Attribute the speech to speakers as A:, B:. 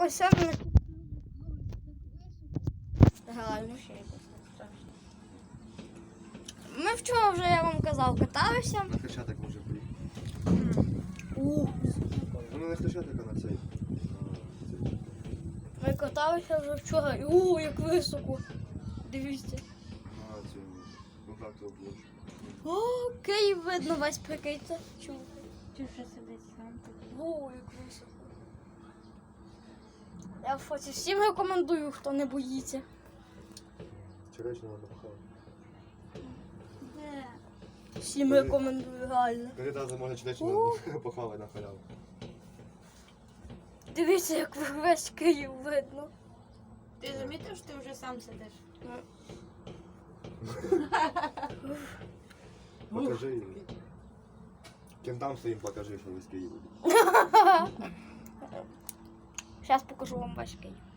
A: ось саме. Реально ще якось страшно. Ми вчора вже, я вам казав, каталися.
B: На Хрещатик може поїхати. Ну не Хрещатик, а на цей.
A: Ми каталися вже вчора. Як високо. Дивіться.
B: На цю. Ну так то площу.
A: О, Київ видно весь, прикиньте. Чув.
C: Ти вже сидить сам.
A: Як високо. Я в фоці всім рекомендую, хто не боїться.
B: Черечно надо похавати.
C: Де?
A: Всім рекомендую, реально.
B: Коли разом можна черечно похавати на халяву.
A: Дивіться, як весь Київ видно.
C: Ти замітив, що ти вже сам сидиш?
B: Покажи їм. Ким там своїм покажи, що ви з Києва.
A: Зараз покажу вам весь Київ.